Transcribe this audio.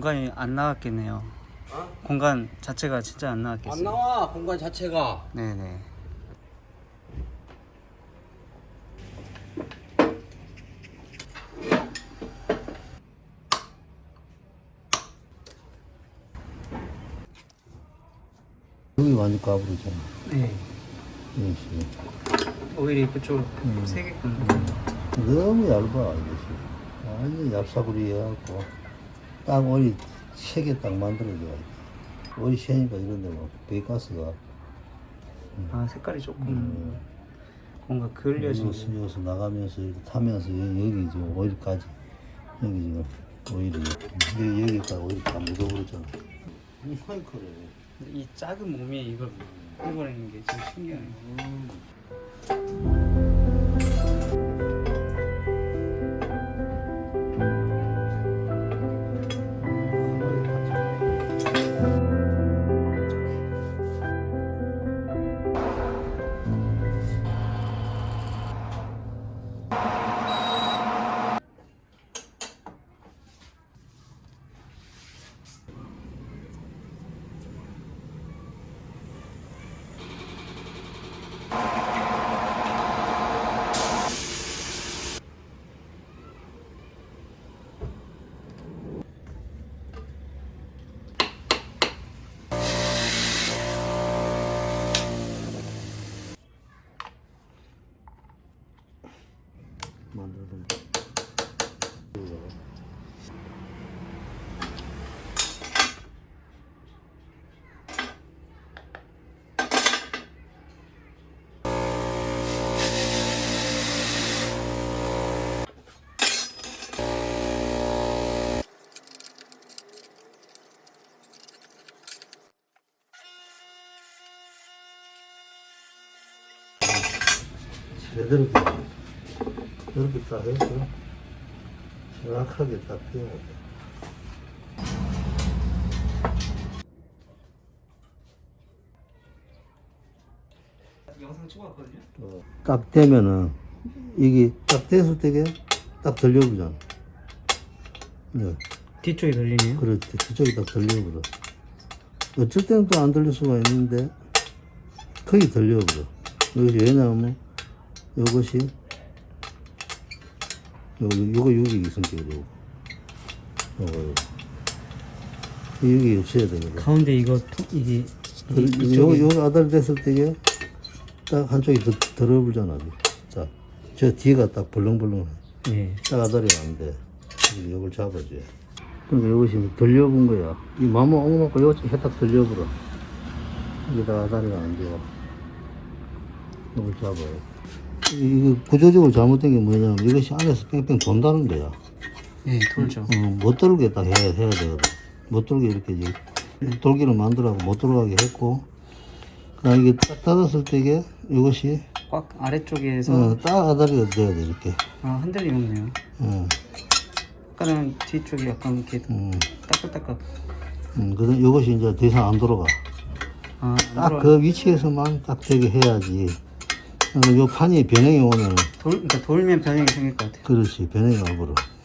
공간이 안 나왔겠네요. 어? 공간 자체가 진짜 안 안 나왔겠어요. 나와 공간 자체가. 네네. 여기 완전 까부르잖아. 네. 이런 식으로. 오일이 그쪽 세겠군요. 너무 얇아, 이것이. 완전 얇사구리 해갖고, 딱 오리 3개 딱 만들어줘야 돼. 오리 새니까 이런데 뭐, 배가스가. 아, 색깔이 조금 뭔가 그을려진. 여기서 나가면서 이렇게 타면서 여기 지금 오일까지. 여기 지금 오일이. 여기까지 오일이 다 묻어버렸잖아. 이파이 그래. 이 작은 몸이 이걸 끌어내는 게 진짜 신기하네요. 만들어둔 제대로 이렇게 딱 해서 정확하게 딱 띄워야 돼. 영상 찍어왔거든요. 딱 되면은 이게 딱 됐을 때게 딱 들려보잖아. 네, 뒤쪽이 들리네요. 그렇지. 그쪽이 딱 들려버려. 어쩔 때는 또 안 들릴 수가 있는데 거의 들려버려. 이것이 왜냐하면 이것이 요거 여기 성격이고 요거 여기 없어야 되거든. 가운데 이거 이게 요거 아달 됐을 때게 딱 한쪽이 들어불잖아. 자, 저 뒤가 딱 벌렁벌렁해. 예. 딱 아달이 안 돼. 요걸 잡아줘야. 그러니까 이것이 들려본 거야. 이 마모 엉망고 요거 해딱 들려버려. 여기다 아다리가 안 돼요. 이걸 잡아요. 이거 구조적으로 잘못된 게 뭐냐면 이것이 안에서 뺑뺑 돈다는 거야. 예, 돌죠. 못 돌게 딱 해야 되거든. 못 돌게 이렇게 이제 돌기를 만들라고 못 돌아가게 했고, 그다음 이게 딱 닫았을 때 이게 이것이 꽉 아래쪽에서 딱 아다리가 돼야 돼 이렇게. 아, 흔들림 없네요. 아까는 뒤쪽이 약간 이렇게 따끈따끈. 그다음 이것이 이제 더 이상 안 돌아가. 아, 딱 그 위치에서만 딱 되게 해야지. 요 판이 변형이 오면 그러니까 돌면 변형이 생길 것 같아요. 그렇지, 변형이 와버려.